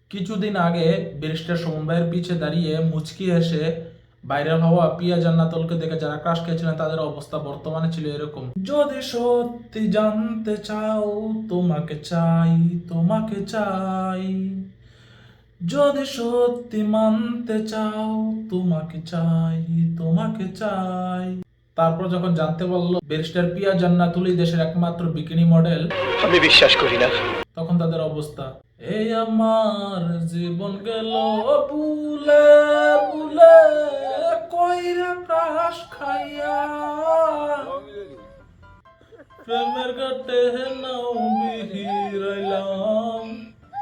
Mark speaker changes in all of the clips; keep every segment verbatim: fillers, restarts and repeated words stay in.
Speaker 1: কিছুদিন আগে ব্যারিস্টার সুমন ভাইয়ের পিছে দাঁড়িয়ে মুচকি এসে ভাইরাল হওয়া পিয়া জান্নাতুলকে দেখে যারা ক্রাশ খেয়েছিলেন তাদের অবস্থা বর্তমানে ছিল এরকম। যদি সত্যি জানতে চাও তোমাকে চাই, তোমাকে চাই, যদি সত্যি মানতে চাও তোমাকে চাই, তোমাকে চাই। তারপর যখন জানতে পারলো ব্যারিস্টার পিয়া জান্নাতুলই দেশের একমাত্র বিকিনি মডেল,
Speaker 2: আমি বিশ্বাস করি না।
Speaker 1: তখন তাদের অবস্থা, এই আমার জীবন গেল বুলে বুলে কইরা ক্রাশ খাইয়া, প্রেমের কাটে নাও বিহিরাইলাম,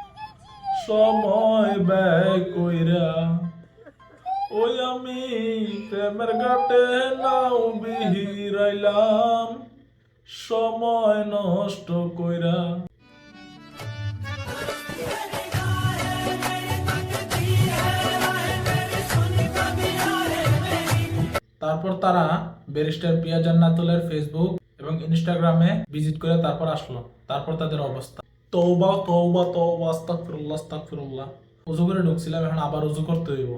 Speaker 1: সময় ব্যয় কইরা, ওই আমি প্রেমের ঘাটে নাও বিহিরাইলাম, সময় নষ্ট কইরা। তারপর তারা ব্যারিস্টার পিয়া জান্নাতুলের ফেসবুক এবং ইনস্টাগ্রামে ভিজিট করে তারপর আসলো। তারপর তাদের অবস্থা, তওবা তওবা তওবা, আস্তাগফিরুল্লাহ আস্তাগফিরুল্লাহ। উযু করে ঢুকছিলাম, এখন আবার উযু করতে হইব।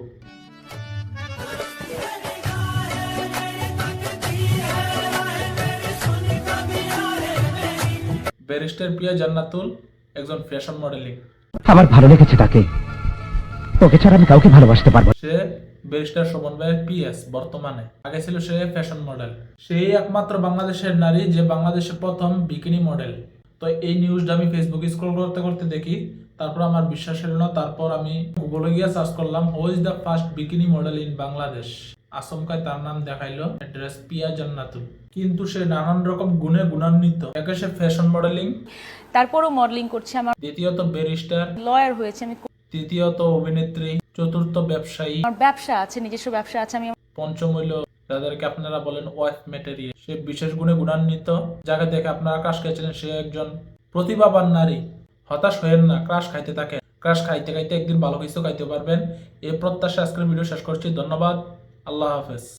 Speaker 1: ব্যারিস্টার পিয়া জান্নাতুল একজন ফ্যাশন মডেলিং।
Speaker 3: আমার ভালো লেগেছে তাকে, ওকে ছাড়া আমি কাউকে ভালোবাসতে পারবো।
Speaker 1: সে ব্যারিস্টার সুমন ভাইয়ের পিএস বর্তমানে, আগে ছিল সে ফ্যাশন মডেল। সেই একমাত্র বাংলাদেশের নারী যে বাংলাদেশের প্রথম বিকিনি মডেল। তো এই নিউজটা আমি ফেসবুকে স্ক্রল করতে করতে দেখি, তারপর আমার বিশ্বাস হলো না। তারপর আমি গুগলে গিয়ে সার্চ করলাম who is the first bikini model in Bangladesh. আচমকায় তার নাম দেখাইলো অ্যাড্রেস পিয়া জান্নাতুল। কিন্তু সে নানান রকম গুণে গুণান্বিত। একে সে ফ্যাশন মডেলিং,
Speaker 4: তারপরও মডেলিং করছি, আমার
Speaker 1: দ্বিতীয়ত ব্যারিস্টার,
Speaker 4: লয়ার হয়েছে, আমি
Speaker 1: তৃতীয়ত অভিনেত্রী, চতুর্থ ব্যবসায়ী,
Speaker 4: আমার ব্যবসা আছে, নিজস্ব ব্যবসা আছে। আমি
Speaker 1: পঞ্চম হইল যাদেরকে আপনারা বলেন ওয়াইফ ম্যাটেরিয়াল। সে বিশেষ গুণে গুণান্বিত, যাকে দেখে আপনারা ক্রাশ খেয়েছিলেন। সে একজন প্রতিভাবান নারী। হতাশ হয়েন না, ক্রাশ খাইতে থাকেন। ক্রাশ খাইতে খাইতে একদিন ভালো কিছু খাইতে পারবেন। এই প্রত্যাশা আজকের ভিডিও শেষ করছি। ধন্যবাদ, আল্লাহ হাফেজ।